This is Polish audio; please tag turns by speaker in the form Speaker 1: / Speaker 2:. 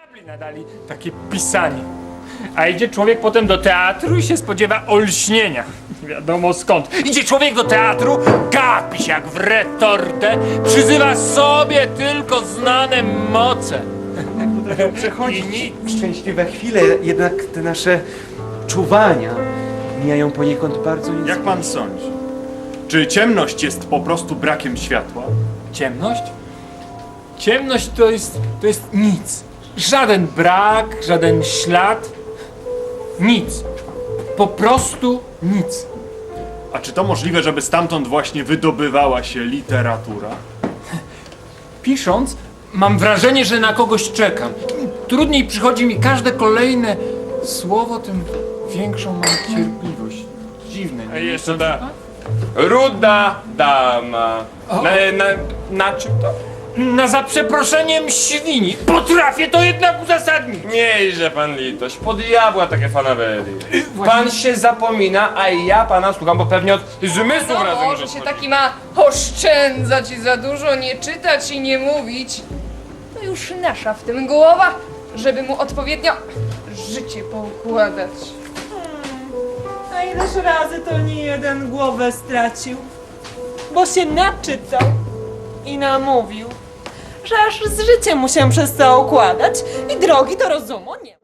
Speaker 1: Nadali takie pisanie. A idzie człowiek potem do teatru i się spodziewa olśnienia. Nie wiadomo skąd. Idzie człowiek do teatru, gapi się jak w retortę, przyzywa sobie tylko znane moce.
Speaker 2: Potrafią przechodzić szczęśliwe chwile, jednak te nasze czuwania mijają poniekąd bardzo niezwykle.
Speaker 3: Jak pan sądzi? Czy ciemność jest po prostu brakiem światła?
Speaker 1: Ciemność? Ciemność to jest nic. Żaden brak, żaden ślad. Nic. Po prostu nic.
Speaker 3: A czy to możliwe, żeby stamtąd właśnie wydobywała się literatura?
Speaker 1: Pisząc, mam wrażenie, że na kogoś czekam. Im trudniej przychodzi mi każde kolejne słowo, tym większą mam cierpliwość. Dziwne.
Speaker 4: A jeszcze ta ruda dama. Na czym to?
Speaker 1: Na za przeproszeniem świni. Potrafię to jednak uzasadnić.
Speaker 4: Miejże pan litość, po diabła takie fanaberie.
Speaker 1: właśnie-
Speaker 4: Pan się zapomina, a ja pana słucham, bo pewnie od zmysłów
Speaker 5: No,
Speaker 4: razem
Speaker 5: może się taki ma oszczędzać i za dużo nie czytać i nie mówić. To już nasza w tym głowa, żeby mu odpowiednio życie poukładać.
Speaker 6: A ileż razy to nie jeden głowę stracił, bo się naczytał i namówił, że aż z życiem mu się przez to układać i drogi do rozumu nie ma.